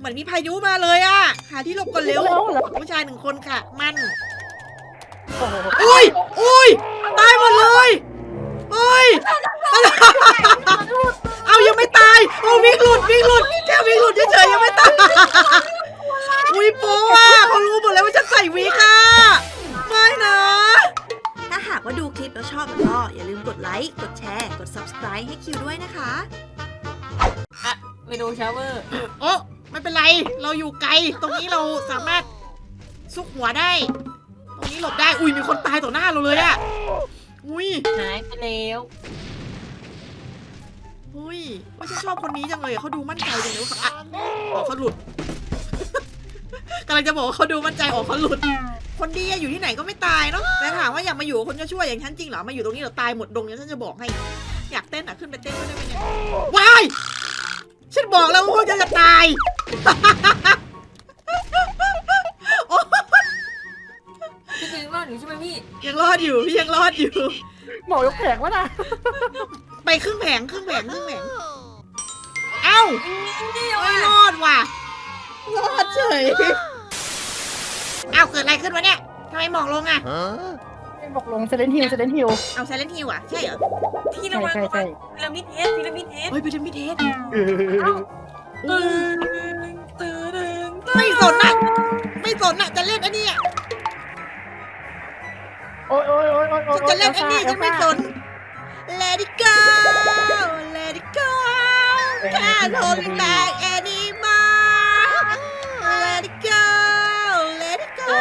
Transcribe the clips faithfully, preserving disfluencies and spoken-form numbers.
เหมือนมีพายุมาเลยอะหาที่หลบก่อนเร็วผู้ชายหนึ่งคนค่ะมันอุ้ยอุ้ยตายหมดเลยเฮ้ยเอายังไม่ตายโอ้วิ่งหลุดวิ่งหลุดแค่วิ่งหลุดเฉยๆยังไม่ตายอุ้ยโป๊ะเขารู้หมดแล้วว่าฉันใส่วิกค่ะไม่นะถ้าหากว่าดูคลิปแล้วชอบก็อย่าลืมกดไลค์กดแชร์กด ซับสไครบ์ ให้คิวด้วยนะคะอะเมนูชาวเวอร์โอ้ไม่เป็นไรเราอยู่ไกลตรงนี้เราสามารถซุกหัวได้ตรงนี้หลบได้อุ้ยมีคนตายต่อหน้าเราเลยอะอุ้ยหายไปแล้วอุ้ยว่าฉันชอบคนนี้จังเลยเขาดูมั่นใจจังเลยว่าอ๋อเขาหลุดกำลังจะบอกว่าเขาดูมั่นใจอ๋อเขาหลุดคนดีอยู่ที่ไหนก็ไม่ตายเนาะแต่ถามว่าอยากมาอยู่คนจะช่วยอย่างฉันจริงเหรอมาอยู่ตรงนี้เราตายหมดดงเนี่ยฉันจะบอกให้อยากเต้นอ่ะขึ้นไปเต้นได้ไหมเนี่ยวายฉันบอกแล้วว่าจะจะตายพี่ยังรอดอยู่ใช่ไหมพี่ยังรอดอยู่พี่ยังรอดอยู่หมอยกแผงวะนะไปครึ่งแผงครึ่งแผงครึ่งแผงเอ้าไม่รอดว่ะรอดเฉยเอ้าเกิดอะไรขึ้นวะเนี่ยทำไมหมอกลงอ่ะบอกลงเซเลนฮิลเซเลนฮิลเอาเซเลนฮิลอ่ะใช่เหรอพี่ระวังระวังพีระมิดเฮดพีระมิดเฮดเฮ้ยพีระมิดเฮดตื่นตื่นไม่สนอ่ะไม่สนอ่ะจะเล่นอันนี้อ่ะโอ้ยโอ้ยโอ้ยโอ้ยจะเล่นอันนี้ฉันไม่สน Let it go Let it go Can't hold it back anymore Let it go Let it go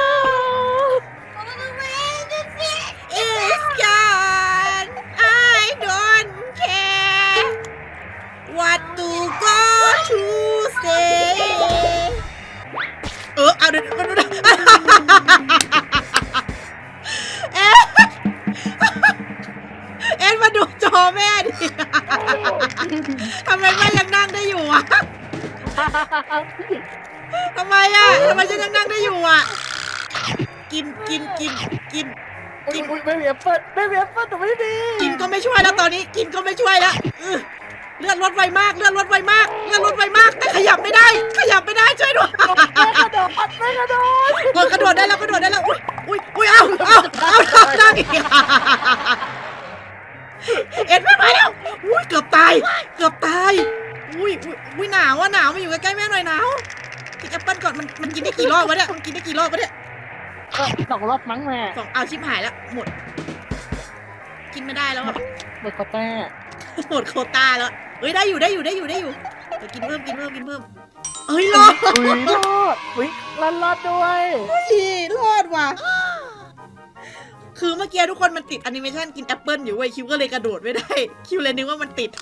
It's gone I don't care What to go to say เออเอาเดี๋ยวมาดูนะเอ๊ะเอ็นมาดูจอแม่ดิทำไมแม่ยังนั่งได้อยู่อ่ะทำไมอ่ะทำไมฉันยังนั่งได้อยู่อ่ะกินกินกินกินกินไม่มีแอปเปิ้ลไม่มีแอปเปิ้ลแต่ไม่ดีกินก็ไม่ช่วยแล้วตอนนี้กินก็ไม่ช่วยแล้วเลือดลดไวมากเลือดลดไวมากเลือดลดไวมากแต่ขยับไม่ได้ขยับไม่ได้ช่วยด้วยไม่กระโดดไม่กระโดดกดกระโดดได้แล้วกระโดดได้แล้วอุ้ยอุ้ยอุ้ยเอาเอาเอานั่งอีกเอ็ดไม่ไหวแล้วอุ้ยเกือบตายเกือบตายอุ้ยอุ้ยหนาวอ่ะหนาวมาอยู่ใกล้ๆแม่หน่อยหนาวกินแอปเปิ้ลก่อนมันมันกินได้กี่รอบวะเนี่ยมันกินได้กี่รอบวะเนี่ยสองรอบมั้งแม่สองเอาชิบหายแล้วหมดกินไม่ได้แล้วอ่ะหมดโควต้าหมดโควต้าแล้วเฮ้ยได้อยู่ได้อยู่ได้อยู่ได้อยู่เดี๋ยวกินเพิ่มกินเพิ่มกินเพิ่มเอ้ยรอดอุ้ยรอดอุ้ยรอดรอดด้วยเฮ้ยรอดว่ะคือเมื่อกี้ทุกคนมันติดแอนิเมชันกินแอปเปิ้ลอยู่เว้ยคิวก็เลยกระโดดไม่ได้คิวเลยนึกว่ามันติด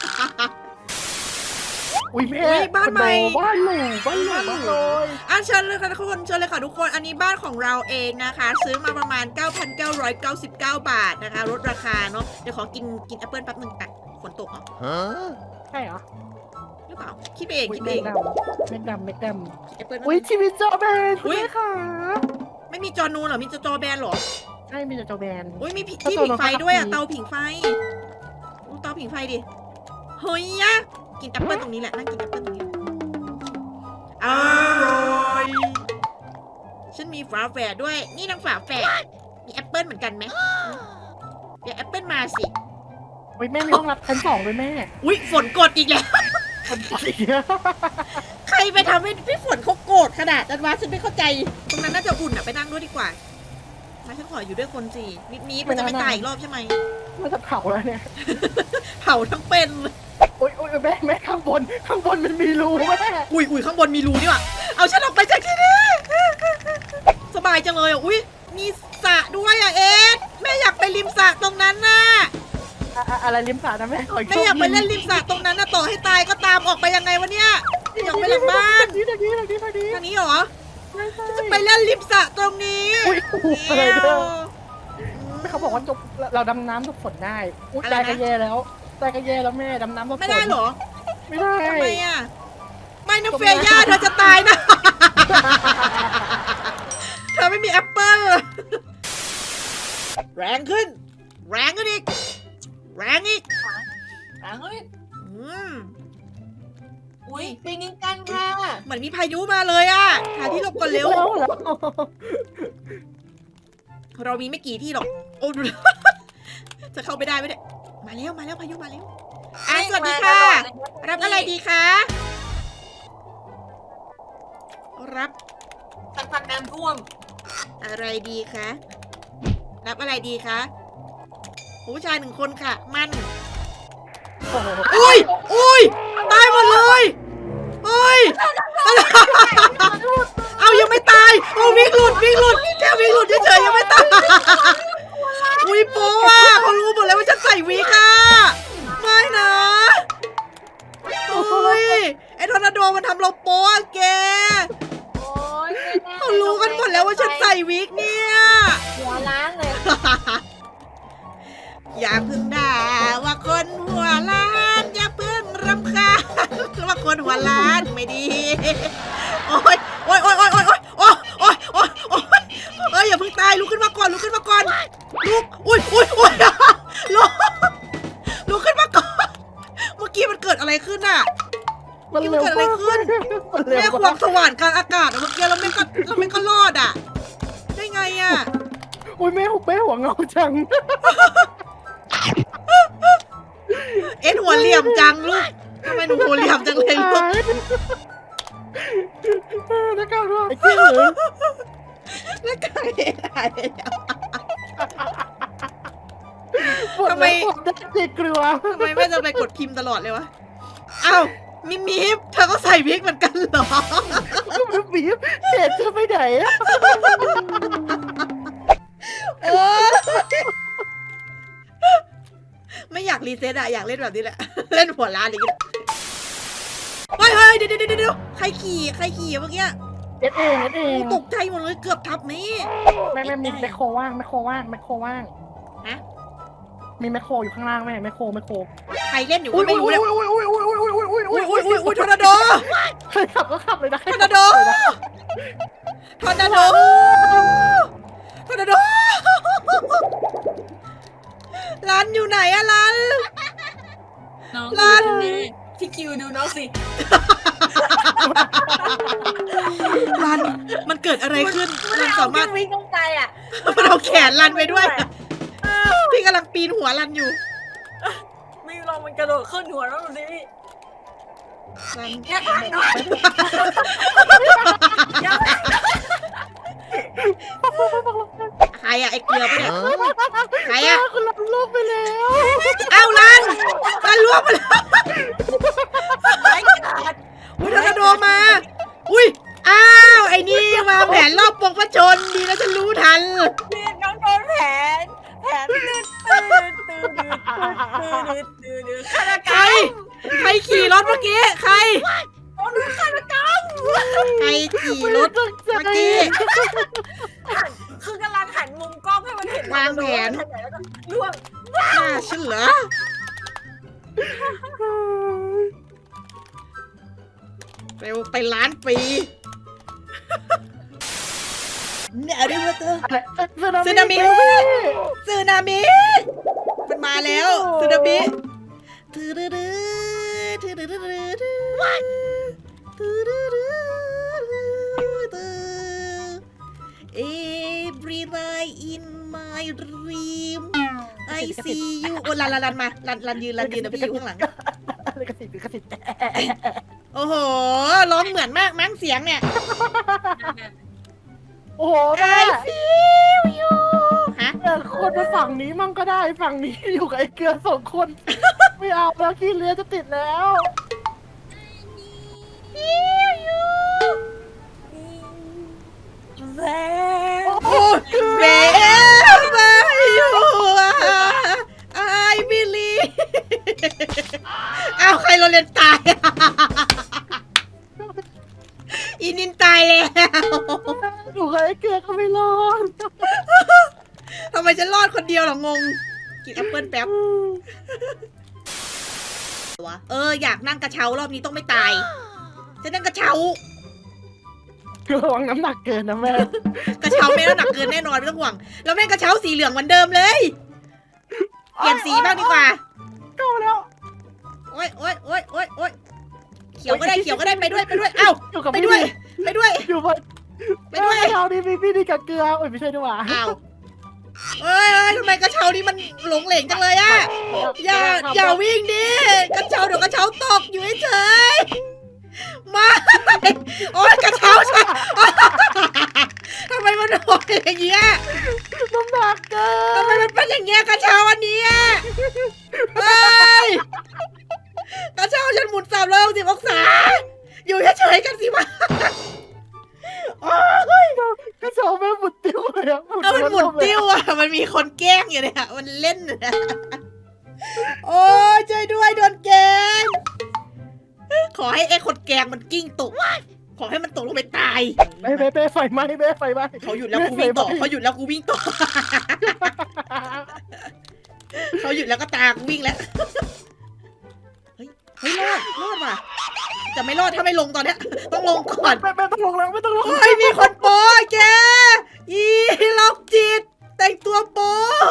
อุ้ยแม่บ้านใหม่บ้านหลูบ้านหลูบ้านเลยอ่ะเชิญเลยค่ะทุกคนเชิญเลยค่ะทุกคนอันนี้บ้านของเราเองนะคะซื้อมาประมาณ เก้าพันเก้าร้อยเก้าสิบเก้า บาทนะคะลดราคาเนาะเดี๋ยวขอกินกินแอปเปิ้ลแป๊บนึงอ่ะฝนตกเหรอใช่เหรอหรือเปล่าคิดเองคิดเองเม็ดดำเม็ดดำแอปเปิ้ลอุ้ยชีวิตจอแบนอุ้ยค่ะไม่มีจอนูนเหรอมีจอแบนเหรอใช่มีแต่จอแบนอุ้ยมีที่ผิงไฟด้วยอ่ะเตาผิงไฟเตาผิงไฟดิเฮ้ยอะกินแอปเปิ้ลตรงนี้แหละนั่งกินแอปเปิ้ลตรงนี้อร่อยฉันมีฝาแฝดด้วยนี่นางฝาแฝดมีแอปเปิ้ลเหมือนกันไหมเดี๋ยวแอปเปิ้ลมาสิอุ้ยแม่มีห้องรับชั้นสองด้วยแม่อุ้ยฝนกดอีกแล้วใครไปทำให้พี่ฝนเขาโกรธขนาดนั้นวะฉันไม่เข้าใจตรงนั้นน่าจะอุ่นอะไปนั่งด้วยดีกว่ามาฉันขออยู่ด้วยคนสินิดนี้มันจะไม่ตายอีกรอบใช่ไหมมันจะเผาแล้วเนี่ยเผาทั้งเป็นโอ้ยโอ้ยแม่แม่ข้างบนข้างบนมันมีรูแม่อุ้ยอุ้ยข้างบนมีรูนี่ว่ะเอาฉันออกไปจากที่นี่สบายจังเลยอ่ะอุ้ยมีสระด้วยอ่ะเอ็ดแม่อยากไปริมสระตรงนั้นน่ะอะไรริมสระนะแม่แม่อยากไปเล่นริมสระตรงนั้นน่ะต่อให้ตายก็ตามออกไปยังไงวะเนี่ยอยากไปหลังบ้านนี่ทางนี้ทางนี้ทางนี้ทางนี้เหรอจะไปเล่นริมสระตรงนี้เขาบอกว่าจบเราดำน้ำทุกฝนได้อุ้ยตายก็แย่แล้วตายก็แย่แล้วแม่ดำน้ำทุกฝนไม่ได้เหรอไม่ได้ทำไมอ่ะไม่นะเฟย่าเธอจะตายนะเธอไม่มีแอปเปิ้ลแรงขึ้นแรงขึ้นอีกแรงอีกแรงขึ้นอืมอุ้ยปิงกันค่ะเหมือนมีพายุมาเลยอะหาที่หลบก่อนเร็วแล้วเหรอเรามีไม่กี่ที่หรอกโอ้ จะเข้าไปได้ไหมเนี่ยมาแล้วมาแล้วพายุมาแล้วอ่ะสวัสดีค่ะ รับอะไรดีคะรับสักพักน้ำท่วมอะไรดีคะ รับอะไรดีคะผู้ชายหนึ่งคนค่ะ มันโอ้โหอุ้ยอุ้ยตายหมดเลยเฮ้ย เอายังไม่ตายโอ้วิ่งหลุดวิ่งหลุดแค่วิ่งหลุดเฉยๆยังไม่ตายอุ้ยโป๊ะอ่ะเขารู้หมดแล้วว่าฉันใส่วิกอ่ะไม่นะเฮ้ยไอ้ทอร์นาโดมันทำเราโป๊ะอะแกโอ้ยเขารู้กันหมดแล้วว่าฉันใส่วิกเนี่ยหัวล้านเลยอย่าเพึ่งด่าว่าคนหัวล้านอย่าเพึ่งรำคาญว่าคนหัวล้านไม่ดีโอ๊ยโอ๊ยโอ๊ยโอ๊ยโอ๊ยโอ๊ยโอ๊ยโอ๊ยโอ๊ยเอ้ยอย่าเพึ่งตายลุกขึ้นมาก่อนลุกขึ้นมาก่อนลุกอุ้ยอุ้ยอุ้ยลุกลุกขึ้นมาก่อนเมื่อกี้มันเกิดอะไรขึ้นอ่ะมันเร็วเกิดอะไรขึ้นมันเร็วแม่ควงสว่านกลางอากาศอะเมื่อกี้เราไม่ก็เราไม่ก็รอดอ่ะได้ไงอ่ะอุ้ยแม่แม่หัวเงาจังเอ็นหัวเหลี่ยมจังลูกทำไมหนูหัวเหลี่ยมจังเลยลูกนักการว่าไอ้เจ้าเหรอแล้วกายหายไปแล้วทำไมได้เด็กกลัวทำไมแม่จะไปกดพิมพ์ตลอดเลยวะอ้าวมิมิฟเธอก็ใส่วิกเหมือนกันเหรอมันบีบเจ็ดจะไปไหนอะโอ้ไม่อยากรีเซ็ตอะอยากเล่นแบบนี้แหละ เล่นหัวล้านอย่างนี้เฮ้ยเฮ้ยเดี๋ยวเดี๋ยวเดี๋ยวใครขี่ใครขี่เมื่อกี้เอ็ดเองเอ็ดเองตกใจหมดเลยเกือบทับนี่แม่แม่มีแมคโครว่างแมคโครว่างแมคโครว่างฮะมีแมคโครอยู่ข้างล่างแม่แมคโครแมคโครใครเล่นอยู่ก็ไม่รู้เลยอุ้ยอุ้ยอุ้ยอุ้ยอุ้ยอุ้ยอุ้ยอุ้ยอุ้ยอุ้ยอุ้ยทอร์นาโดใครขับก็ขับเลยนะทอร์นาโดทอร์นาโดทอร์นาโดร้านอยู่ไหนอะร้านน้องลั่นพี่คิวดูน้องสิรันมันเกิดอะไรขึ้นรันสามารถวิ่งลงไปอ่ะมันเอาแขนรันไปด้วยพี่กำลังปีนหัวรันอยู่ไม่ลองมันกระโดดขึ้นหัวแล้วดูสิรันอย่าทำหน่อยอย่าใครอะไอเกลือปะเนี่ยใครอะคุณรับลูกไปแล้วอ้าวรันรันล่วงไปแล้วไม่ขาดอุ้ยทอร์นาโดมาอุ้ยอ้าวไอ้นี่มาแผนรอบปกพระชนดีนะฉันรู้ทันนี่น้องโดนแผนแผนตื่นตื่นตื่นตื่นตื่นตื่นตื่นฆาตกใครรรมใครขี่รถเมื่อกี้ใครโดนฆาตกรรมใครขี่รถเมื่อกี้คือกำลังหันมุมกล้องให้มันเห็นวางแผนแล้วก็ล่วงน่าเชื่อเร็วไปล้านปีเนี่ยเรียกว่าเธอ สึนามิ สึนามิมันมาแล้วสึนามิถือดื้อถือดื้อถือดื้อถือดื้อถือดื้อ Every night in my dream I see you โอ้ลันลันลันมาลันลันยืนลันยืนเดี๋ยวพี่อยู่ข้างหลังลิขสิทธิ์ลิขสิทธิ์โอ้โหร้องเหมือนมากมั้งเสียงเนี่ยโอ้โหแม่ I feel you ฮะเออคนไปฝั่งนี้มั่งก็ได้ฝั่งนี้อยู่กับไอ้เกลือสองคน ไม่เอาแล้วขี้เรือจะติดแล้ว feel you แหวโอ้ wherever you are I believe อ้าวใครเราเรียนตายอะอินินตายแล้วอยู่กับไอ้เกลือก็ไม่รอดทำไมฉันรอดคนเดียวเหรองง กินแอปเปิลแป๊บเอออยากนั่งกระเช้ารอบนี้ต้องไม่ตาย จะนั่งกระเช้าระวังน้ำหนักเกินนะแม่กระเช้าไม่น้ำหนักเกินแน่นอนไม่ต้องห่วง แล้วแม่งกระเช้าสีเหลืองเหมือนเดิมเลย เปลี่ยนสีบ้างดีกว่าเข้าแล้วโอ๊ยโอ๊ยโอ๊ยโอ๊ยโอ๊ยเขียวก็ได้เขียวก็ได้ไปด้วยไปด้วยเอ้าอยู่กับไปพี่ด้วยไปด้วยอยู่บนไปด้วยกระเช้านี่มีพี่นี่กับเกลือโอ้ยไม่ใช่ด้วยว่ะอ้าวเอ้ยเอ้ยทำไมกระเช้านี่มันหลงเหลงจังเลยอะอย่าอย่าวิ่งดิกระเช้าเดี๋ยวกระเช้าตกอยู่เฉยๆมาโอ้ยกระเช้าฉันทำไมมันโดนอย่างเงี้ยน้ำหนักเกิทำไมนมันเป็นอย่างเงี้ยกระเช้าอันนี้อะเฮ้ยกระเช้าฉันหมุนสามร้อยหกสิบองศาอยู่เฉยๆกันสิวะโอ้ยกระเช้าแม่งหมุนติ้วเลยอะเอามันหมุนติ้วอ่ะ มันมีคนแกล้งอยู่เนี่ย มันเล่นอยู่เนี่ยโอ้ยช่วยด้วยโดนแกล้ง ขอให้ไอ้คนแกล้งมันกิ้งตก ขอให้มันตกลงไปตายเบ้เบ้เบ้ไฟไหม้เบ้ไฟไหม้เขาหยุดแล้วกูวิ่งต่อ เขาหยุดแล้วกูวิ่งต่อ เขาหยุดแล้วก็ตามกูวิ่งแล้ว เฮ้ย เฮ้ยรอด รอดว่ะ จะไม่รอดถ้าไม่ลงตอนเนี้ย ต้องลงก่อนไม่ไม่ต้องลงแล้วไม่ต้องลงโอ้ยมีคนโป้แก อีล็อกจิต แต่งตัวโป้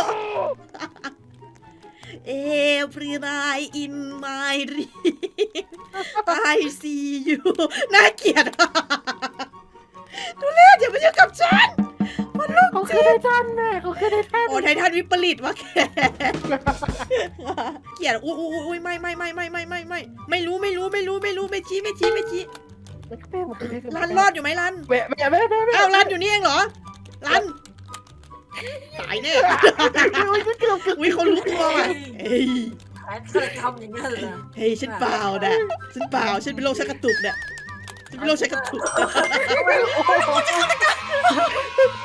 Every night in my dream I see you น่าเกลียดดูเล่อย่ามายุ่งกับฉันมันลูกเขาคือไททันแม่เขาคือไททันโอ้ไททันวิปริตวะแกเกลียดอุ้ยอุ้ยอุ้ยไม่ไม่ไม่ไม่ไม่ไม่ไม่ไม่รู้ไม่รู้ไม่รู้ไม่รู้ไม่ชี้ไม่ชี้ไม่ชี้รันรอดอยู่ไหมรันแม่แม่แม่แม่อ้าวรันอยู่นี่เองเหรอรันตายแน่อุ้ยเขารู้ตัวว่ะเฮ้ยแผนเธอทำอย่างนั้นเหรอเฮ้ยฉันเปล่านะฉันเปล่าฉันเป็นโรคชักกระตุกเนี่ยฉันเป็นโรคชักกระตุก